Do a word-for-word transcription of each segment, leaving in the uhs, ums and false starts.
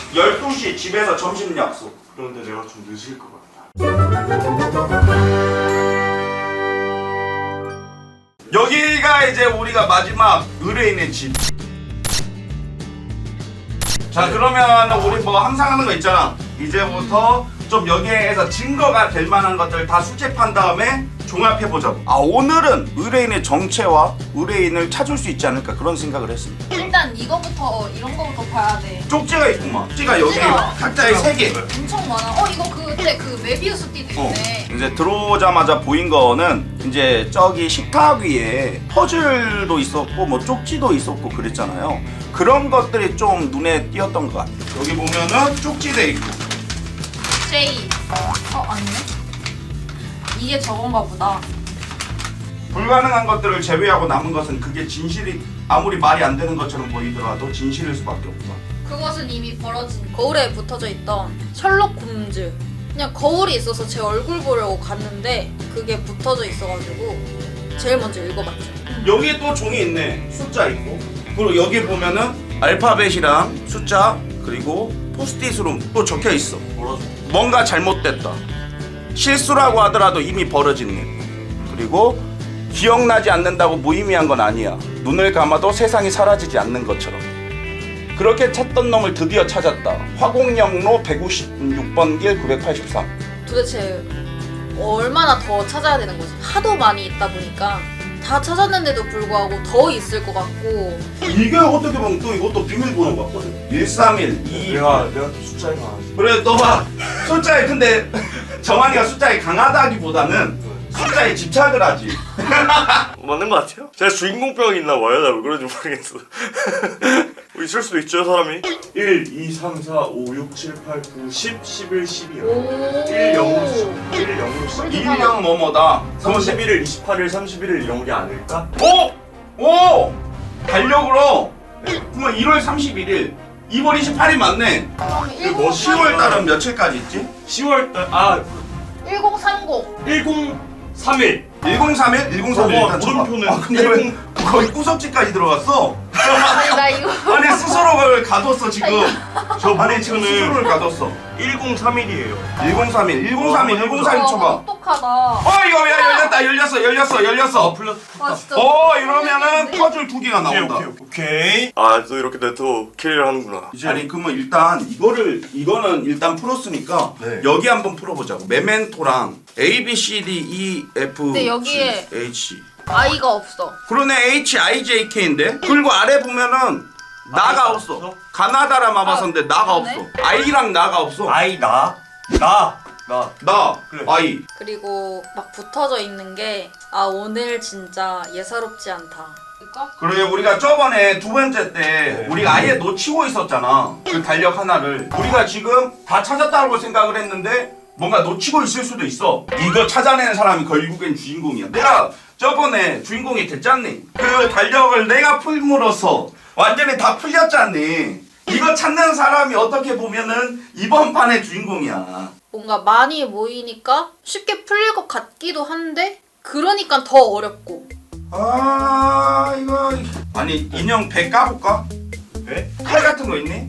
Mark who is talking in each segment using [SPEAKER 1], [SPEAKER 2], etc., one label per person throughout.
[SPEAKER 1] 열두 시 집에서 점심 약속.
[SPEAKER 2] 그런데 내가 좀 늦을 것 같다.
[SPEAKER 1] 여기가 이제 우리가 마지막 의뢰인의 집. 자, 그러면 우리 뭐 항상 하는 거 있잖아. 이제부터 좀 여기에서 증거가 될 만한 것들 다 수집한 다음에 종합해보자고. 아, 오늘은 의뢰인의 정체와 의뢰인을 찾을 수 있지 않을까 그런 생각을 했습니다.
[SPEAKER 3] 일단 이거부터 이런 거부터 봐야 돼.
[SPEAKER 1] 쪽지가 있구만. 쪽지가 여기
[SPEAKER 3] 쪽지가.
[SPEAKER 1] 각자에 세 개.
[SPEAKER 3] 엄청 많아. 어 이거 그때 그 메비우스 띠도
[SPEAKER 1] 어.
[SPEAKER 3] 있네.
[SPEAKER 1] 이제 들어오자마자 보인 거는 이제 저기 식탁 위에 퍼즐도 있었고 뭐 쪽지도 있었고 그랬잖아요. 그런 것들이 좀 눈에 띄었던 것 같아요. 여기 보면은 쪽지돼 있고.
[SPEAKER 3] J. 어 아니네. 이게 저건가 보다.
[SPEAKER 1] 불가능한 것들을 제외하고 남은 것은 그게 진실이 아무리 말이 안 되는 것처럼 보이더라도 진실일 수밖에 없다.
[SPEAKER 3] 그것은 이미 벌어진 거울에 붙어져 있던 셜록 홈즈. 그냥 거울이 있어서 제 얼굴 보려고 갔는데 그게 붙어져 있어가지고 제일 먼저 읽어봤죠.
[SPEAKER 1] 여기에 또 종이 있네. 숫자 있고. 그리고 여기 보면은 알파벳이랑 숫자 그리고 포스트잇으로 또 적혀 있어. 뭔가 잘못됐다. 실수라고 하더라도 이미 벌어진 일. 그리고 기억나지 않는다고 무의미한 건 아니야. 눈을 감아도 세상이 사라지지 않는 것처럼. 그렇게 찾던 놈을 드디어 찾았다. 화곡역로 백오십육 번 길 구백팔십삼.
[SPEAKER 3] 도대체 얼마나 더 찾아야 되는 거지? 하도 많이 있다 보니까 다 찾았는데도 불구하고 더 있을 것 같고.
[SPEAKER 1] 이게 어떻게 보면 또 이것도 비밀번호 같거든. 일삼일 이.
[SPEAKER 2] 내가 내가 또 숫자에 강하지.
[SPEAKER 1] 그래 너봐 숫자에 근데 정한이가 숫자에 강하다기보다는 숫자에 집착을 하지.
[SPEAKER 2] 맞는 것 같아요? 제가 주인공병이 있나 봐요. 나 왜 그런지 모르겠어. 뭐 있을 수도 있죠 사람이. 일, 이, 삼, 사, 오, 육, 칠, 팔, 구, 십, 십일, 십이요.
[SPEAKER 3] 오.
[SPEAKER 2] 일, 영으로 시작. 일, 영으로 시작.
[SPEAKER 1] 일이랑 뭐뭐다.
[SPEAKER 2] 삼십일 일, 이십팔 일, 삼십일 일 이런 게 아닐까?
[SPEAKER 1] 오! 오! 달력으로 그러면 일월 삼십일일 이월 이십팔일 맞네.
[SPEAKER 3] 그럼
[SPEAKER 2] 뭐
[SPEAKER 1] 시월 달은 며칠까지 있지?
[SPEAKER 2] 시월 달, 아,
[SPEAKER 3] 일공삼공.
[SPEAKER 2] 일공삼일.
[SPEAKER 1] 일공삼일? 일공삼일
[SPEAKER 2] 어,
[SPEAKER 1] 일단 쳐봐.
[SPEAKER 2] 물음표는
[SPEAKER 1] 아 근데 왜 거의 구석지까지 들어갔어?
[SPEAKER 3] 아니 나 이거
[SPEAKER 1] 아니 스스로를 가뒀어 지금.
[SPEAKER 2] 저
[SPEAKER 1] 아니 지금 스스로를 가뒀어.
[SPEAKER 2] 일공삼일이에요.
[SPEAKER 1] 일공삼일 일공삼일 일공삼일
[SPEAKER 3] 와,
[SPEAKER 1] 쳐봐.
[SPEAKER 3] 똑똑하다.
[SPEAKER 1] 어 이거 야 열렸다 열렸어 열렸어 열렸어.
[SPEAKER 2] 플러스.
[SPEAKER 3] 와 진짜.
[SPEAKER 1] 어 이러면은 퍼즐 두 개가 나온다.
[SPEAKER 2] 오케이, 오케이, 오케이. 아, 또 이렇게 또 킬을 하는구나.
[SPEAKER 1] 아니 그러면 일단 이거를 이거는 일단 풀었으니까
[SPEAKER 2] 네.
[SPEAKER 1] 여기 한번 풀어보자고. 메멘토랑 A B C D E F
[SPEAKER 3] 근데
[SPEAKER 1] G
[SPEAKER 3] 여기에
[SPEAKER 1] H.
[SPEAKER 3] 아이가 없어.
[SPEAKER 1] 그러네 H I J K인데. 그리고 아래 보면은 나가
[SPEAKER 2] 아이가
[SPEAKER 1] 없어.
[SPEAKER 2] 없어?
[SPEAKER 1] 가나다라 마바선데 나가
[SPEAKER 3] 그러네.
[SPEAKER 1] 없어. I랑 나가 없어.
[SPEAKER 2] 아이 나. 나. 나.
[SPEAKER 1] 나
[SPEAKER 2] 그래.
[SPEAKER 1] I.
[SPEAKER 3] 그리고 막 붙어져 있는 게 아 오늘 진짜 예사롭지 않다. 그러니까?
[SPEAKER 1] 그래 우리가 저번에 두 번째 때
[SPEAKER 2] 네.
[SPEAKER 1] 우리가 아예 놓치고 있었잖아. 그 달력 하나를. 우리가 지금 다 찾았다고 생각을 했는데 뭔가 놓치고 있을 수도 있어. 이거 찾아내는 사람이 결국엔 주인공이야. 내가 저번에 주인공이 됐잖니. 그 달력을 내가 풀므로써 완전히 다 풀렸잖니. 이거 찾는 사람이 어떻게 보면은 이번 판의 주인공이야.
[SPEAKER 3] 뭔가 많이 모이니까 쉽게 풀릴 것 같기도 한데 그러니까 더 어렵고.
[SPEAKER 1] 아 이거 아니 인형 배 까볼까?
[SPEAKER 2] 네?
[SPEAKER 1] 칼 같은 거 있니?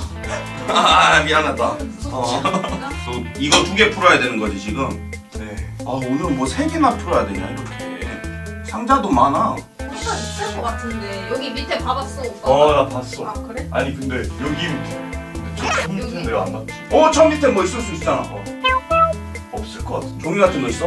[SPEAKER 1] 아 미안하다. 어. 또 이거 두 개 풀어야 되는 거지 지금.
[SPEAKER 2] 네.
[SPEAKER 1] 아 오늘은 뭐 세 개나 풀어야 되냐 이렇게. 상자도 많아.
[SPEAKER 3] 뭔가 있을 것 같은데 여기 밑에 봐봤어 오빠?
[SPEAKER 2] 어, 나 봤어.
[SPEAKER 3] 아 그래?
[SPEAKER 2] 아니 근데 여기 근데 저 밑에
[SPEAKER 3] 여기?
[SPEAKER 2] 내가 안 봤지.
[SPEAKER 1] 어, 저 밑에 뭐 있을 수 있잖아.
[SPEAKER 2] 어. 없을 것 같은데.
[SPEAKER 1] 종이 같은 거 있어?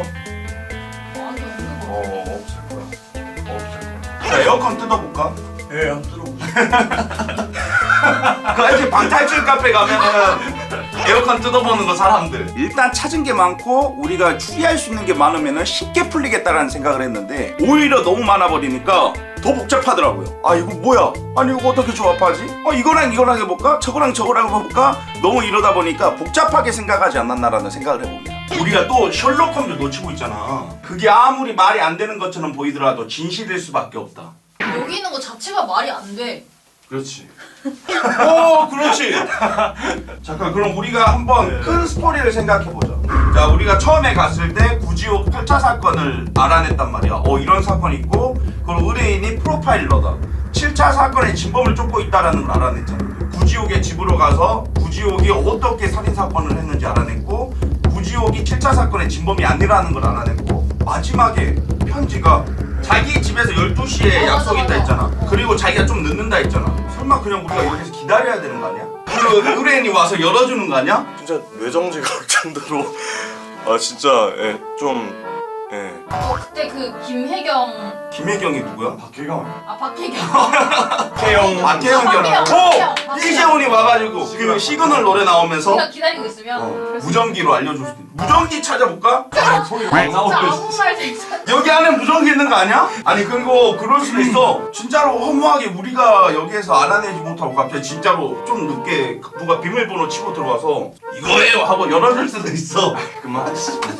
[SPEAKER 3] 아니 없는 거.
[SPEAKER 2] 어, 없을 거야. 없을 거야.
[SPEAKER 1] 자 에어컨 뜯어볼까?
[SPEAKER 2] 예, 한번 들어보세요.
[SPEAKER 1] 그 알지 방탈출 카페 가면은 에어컨 뜯어보는 거 사람들. 일단 찾은 게 많고 우리가 추리할 수 있는 게 많으면은 쉽게 풀리겠다라는 생각을 했는데 오히려 너무 많아 버리니까 더 복잡하더라고요. 아 이거 뭐야? 아니 이거 어떻게 조합하지? 어 이거랑 이거랑 해볼까? 저거랑 저거랑 해볼까? 너무 이러다 보니까 복잡하게 생각하지 않았나라는 생각을 해봅니다. 우리가 또 셜록 홈즈 놓치고 있잖아. 그게 아무리 말이 안 되는 것처럼 보이더라도 진실일 수밖에 없다.
[SPEAKER 3] 여기 있는 거 자체가 말이 안 돼.
[SPEAKER 2] 그렇지.
[SPEAKER 1] 오 그렇지. 잠깐 그럼 우리가 한번
[SPEAKER 2] 네.
[SPEAKER 1] 큰 스토리를 생각해보자. 자 우리가 처음에 갔을 때 구지옥 팔 차 사건을 알아냈단 말이야. 어 이런 사건이 있고 그리고 의뢰인이 프로파일러다. 칠 차 사건의 진범을 쫓고 있다라는 걸 알아냈잖아. 구지옥의 집으로 가서 구지 구지옥이 어떻게 살인 사건을 했는지 알아냈고 구지옥이 칠 차 사건의 진범이 아니라는 걸 알아냈고 마지막에 편지가 자기 집에서 열두 시에
[SPEAKER 3] 어,
[SPEAKER 1] 약속
[SPEAKER 3] 맞아,
[SPEAKER 1] 있다
[SPEAKER 3] 맞아.
[SPEAKER 1] 했잖아. 그리고 자기가 좀 늦는다 했잖아. 설마 그냥 우리가 여기서 기다려야 되는 거 아니야? 그 의뢰인이 와서 열어주는 거 아니야?
[SPEAKER 2] 진짜 뇌정지가 올 정도로 아 진짜 예, 좀 예.
[SPEAKER 3] 어, 그때 그 김혜경
[SPEAKER 1] 김혜경이 누구야?
[SPEAKER 2] 박혜경
[SPEAKER 3] 아 박혜경
[SPEAKER 2] 박혜영
[SPEAKER 1] 박혜영이야.
[SPEAKER 3] 박혜영,
[SPEAKER 1] 오! 이재훈이 와가지고 그 시그널 노래 나오면서
[SPEAKER 3] 우리가 기다리고 있으면
[SPEAKER 1] 어,
[SPEAKER 3] 그래서
[SPEAKER 1] 무전기로 알려줄 수 있어. 무전기 찾아볼까?
[SPEAKER 2] 소리가 안
[SPEAKER 3] 진짜 아무 말 대잔
[SPEAKER 1] 여기 안에 무전기 있는 거 아니야? 아니 그리고 그럴 수도 있어. 진짜로 허무하게 우리가 여기에서 알아내지 못하고 갑자기 진짜로 좀 늦게 누가 비밀번호 치고 들어와서 이거예요 하고 열어줄 수도 있어.
[SPEAKER 2] 그만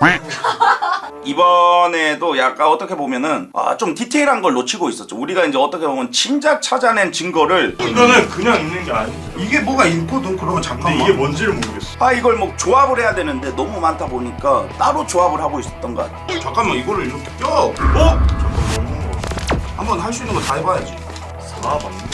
[SPEAKER 1] 이번에도 약간 어떻게 보면은 아, 좀 디테일한 걸 놓치고 있었죠. 우리가 이제 어떻게 보면 진작 찾아낸 증거를
[SPEAKER 2] 이거는 그냥 있는 게 아니죠.
[SPEAKER 1] 이게 뭐가 있거든. 그러면
[SPEAKER 2] 근데
[SPEAKER 1] 잠깐만.
[SPEAKER 2] 이게 뭔지를 모르겠어.
[SPEAKER 1] 아 이걸 뭐 조합을 해야 되는데 너무 많다 보니까 따로 조합을 하고 있었던 것 같아. 잠깐만 이거를 이렇게 껴. 어?
[SPEAKER 2] 잠깐 먹는 거.
[SPEAKER 1] 한번 할 수 있는 거 다 해봐야지.
[SPEAKER 2] 아 맞네.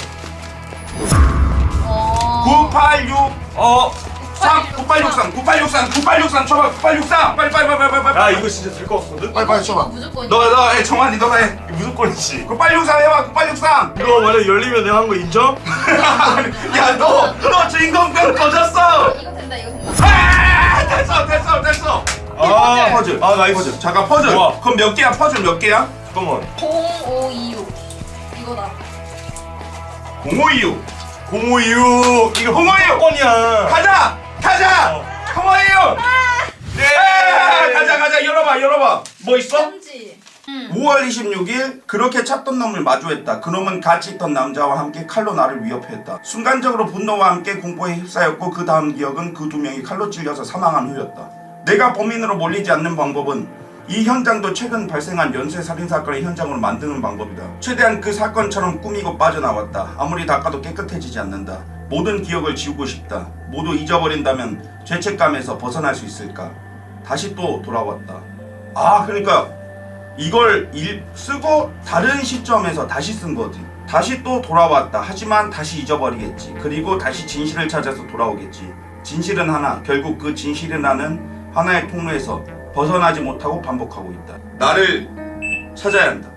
[SPEAKER 3] 어...
[SPEAKER 1] 구팔육
[SPEAKER 2] 어.
[SPEAKER 1] 삼 구팔육삼 구팔육삼 구팔육삼 쳐봐. 구팔육삼 빨리 빨리 빨리 빨리 빨리.
[SPEAKER 2] 야 이거 진짜 될 것 같거든.
[SPEAKER 1] 빨리 빨리
[SPEAKER 3] 이거
[SPEAKER 1] 쳐봐.
[SPEAKER 3] 무조건
[SPEAKER 1] 너가 너 해. 정환이 너가 해.
[SPEAKER 2] 이거 무조건이지.
[SPEAKER 1] 구팔육삼 해봐. 구팔육삼.
[SPEAKER 2] 이거 만약 열리면 내가 한 거 인정?
[SPEAKER 1] 야너 너 주인공병 꺼졌어.
[SPEAKER 3] 이거 된다 이거 된다
[SPEAKER 1] 아 됐어 됐어 됐어.
[SPEAKER 2] 아
[SPEAKER 1] 퍼즐.
[SPEAKER 2] 아 나이스.
[SPEAKER 1] 퍼즐. 잠깐 퍼즐.
[SPEAKER 2] 좋아.
[SPEAKER 1] 그럼 몇 개야? 퍼즐 몇 개야?
[SPEAKER 2] 잠깐만.
[SPEAKER 3] 공오이육 이거다
[SPEAKER 1] 공오이육.
[SPEAKER 2] 공오이육 이거
[SPEAKER 1] 공오이육.
[SPEAKER 2] 건이야.
[SPEAKER 1] 가자 가자.
[SPEAKER 2] 어.
[SPEAKER 1] 공오이육. 네. 가자 가자 열어봐 열어봐. 뭐 있어?
[SPEAKER 3] 편지 응.
[SPEAKER 1] 오월 이십육일 그렇게 찾던 놈을 마주했다. 그놈은 같이 있던 남자와 함께 칼로 나를 위협했다. 순간적으로 분노와 함께 공포에 휩싸였고 그 다음 기억은 그 두 명이 칼로 찔려서 사망한 후였다. 내가 범인으로 몰리지 않는 방법은 이 현장도 최근 발생한 연쇄살인사건의 현장으로 만드는 방법이다. 최대한 그 사건처럼 꾸미고 빠져나왔다. 아무리 닦아도 깨끗해지지 않는다. 모든 기억을 지우고 싶다. 모두 잊어버린다면 죄책감에서 벗어날 수 있을까? 다시 또 돌아왔다. 아 그러니까 이걸 일, 쓰고 다른 시점에서 다시 쓴 거지. 다시 또 돌아왔다. 하지만 다시 잊어버리겠지. 그리고 다시 진실을 찾아서 돌아오겠지. 진실은 하나. 결국 그 진실이라는 하나의 통로에서 벗어나지 못하고 반복하고 있다. 나를 찾아야 한다.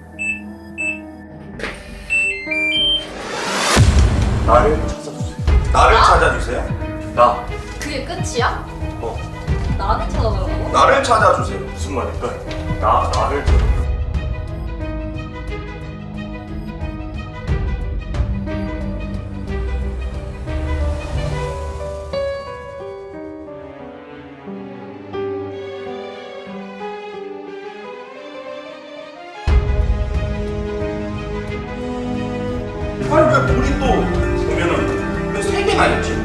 [SPEAKER 2] 나를 찾아주세요.
[SPEAKER 1] 나를
[SPEAKER 3] 나?
[SPEAKER 1] 찾아주세요.
[SPEAKER 2] 나.
[SPEAKER 3] 그게 끝이야?
[SPEAKER 2] 어.
[SPEAKER 3] 나를 찾아달라고?
[SPEAKER 1] 나를 찾아주세요.
[SPEAKER 2] 무슨 말일까? 나 나를 찾아.
[SPEAKER 1] 아니 왜 우리 또 보면은 왜 세 개나 있지?